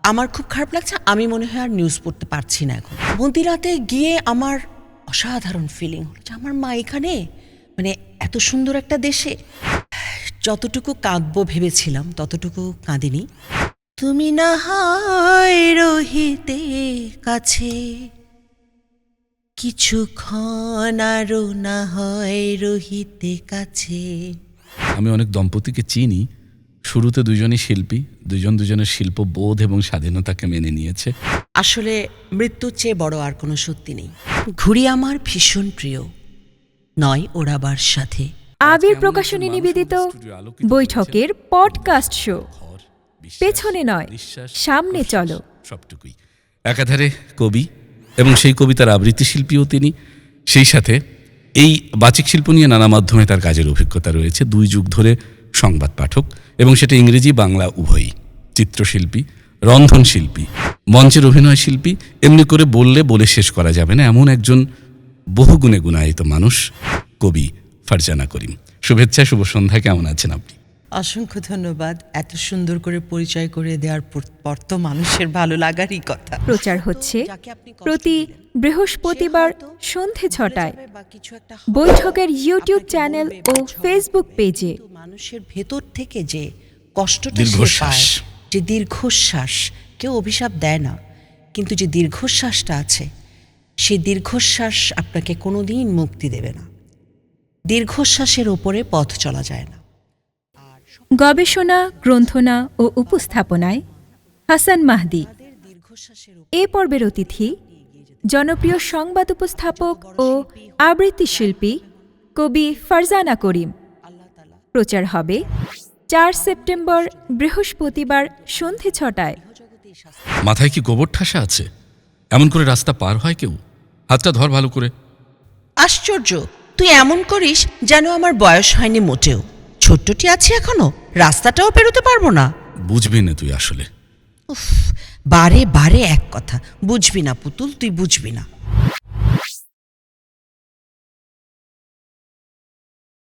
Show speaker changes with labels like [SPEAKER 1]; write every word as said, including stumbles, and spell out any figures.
[SPEAKER 1] আমার খুব খারাপ লাগছে, আমি মনে হয় আর নিউজ পড়তে পারছি না এখন। মদিনাতে গিয়ে আমার অসাধারণ ফিলিং হলো যে আমার মা এখানে, মানে এত সুন্দর একটা দেশে। যতটুকু কাঁদবো ভেবেছিলাম ততটুকু কাঁদিনি। তুমি না হয় রহিতে কাছে, কিছুক্ষণ আরো না হয় রহিতে কাছে।
[SPEAKER 2] আমি অনেক দম্পতিকে চিনি, শুরুতে দুজনই শিল্পী, দুজন দুজনের শিল্পবোধ এবং স্বাধীনতাকে মেনে নিয়েছে।
[SPEAKER 1] আসলে মৃত্যুর চেয়ে বড় আর কোনো সত্যি নেই। ঘুড়ি আমার ভীষণ প্রিয়, নয় ওড়াবার সাথে।
[SPEAKER 3] আবির প্রকাশনী নিবেদিত বৈঠকের পডকাস্ট শো পেছনে নয় সামনে চলো।
[SPEAKER 2] সবটুকুই। একাধারে কবি এবং সেই কবিতার আবৃত্তি শিল্পীও তিনি, সেই সাথে এই বাচিক শিল্প নিয়ে নানা মাধ্যমে তার কাজের অভিজ্ঞতা রয়েছে। দুই যুগ ধরে সংবাদ পাঠক, এবং সেটা ইংরেজি বাংলা উভয়ই। চিত্রশিল্পী, রন্ধনশিল্পী, মঞ্চের অভিনয় শিল্পী, এমনি করে বললে বলে শেষ করা যাবে না এমন একজন বহুগুণে গুণায়িত মানুষ কবি ফারজানা করিম। শুভেচ্ছা, শুভ সন্ধ্যা। কেমন আছেন আপনি?
[SPEAKER 1] অসংখ্য ধন্যবাদ। এত সুন্দর করে পরিচয় করে দেওয়ার পর তো মানুষের ভালো লাগারই কথা।
[SPEAKER 3] প্রচার হচ্ছে প্রতি বৃহস্পতিবার সন্ধে ছটায় বৈঠকের ইউটিউব চ্যানেল ও ফেসবুক পেজে।
[SPEAKER 1] মানুষের ভেতর থেকে যে কষ্টটা
[SPEAKER 2] দীর্ঘশ্বাস,
[SPEAKER 1] যে দীর্ঘশ্বাস, কেউ অভিশাপ দেয় না, কিন্তু যে দীর্ঘশ্বাসটা আছে সেই দীর্ঘশ্বাস আপনাকে কোনোদিন মুক্তি দেবে না। দীর্ঘশ্বাসের ওপরে পথ চলা যায় না।
[SPEAKER 3] গবেষণা, গ্রন্থনা ও উপস্থাপনায় হাসান মাহদি। এ পর্বের অতিথি জনপ্রিয় সংবাদ উপস্থাপক ও আবৃত্তি শিল্পী কবি ফারজানা করিম। প্রচার হবে চার সেপ্টেম্বর বৃহস্পতিবার সন্ধে ছটায়।
[SPEAKER 2] মাথায় কি গোবর ঠাসা আছে? এমন করে রাস্তা পার হয় কেউ? হাতটা ধর ভালো করে।
[SPEAKER 1] আশ্চর্য, তুই এমন করিস যেন আমার বয়স হয়নি মোটেও। ছোট্টটি আছে এখনো, রাস্তাটাও পেরোতে পারবো না।
[SPEAKER 2] বুঝবি না তুই আসলে।
[SPEAKER 1] উফ, বারে বারে এক কথা, বুঝবি না পুতুল, তুই বুঝবি না।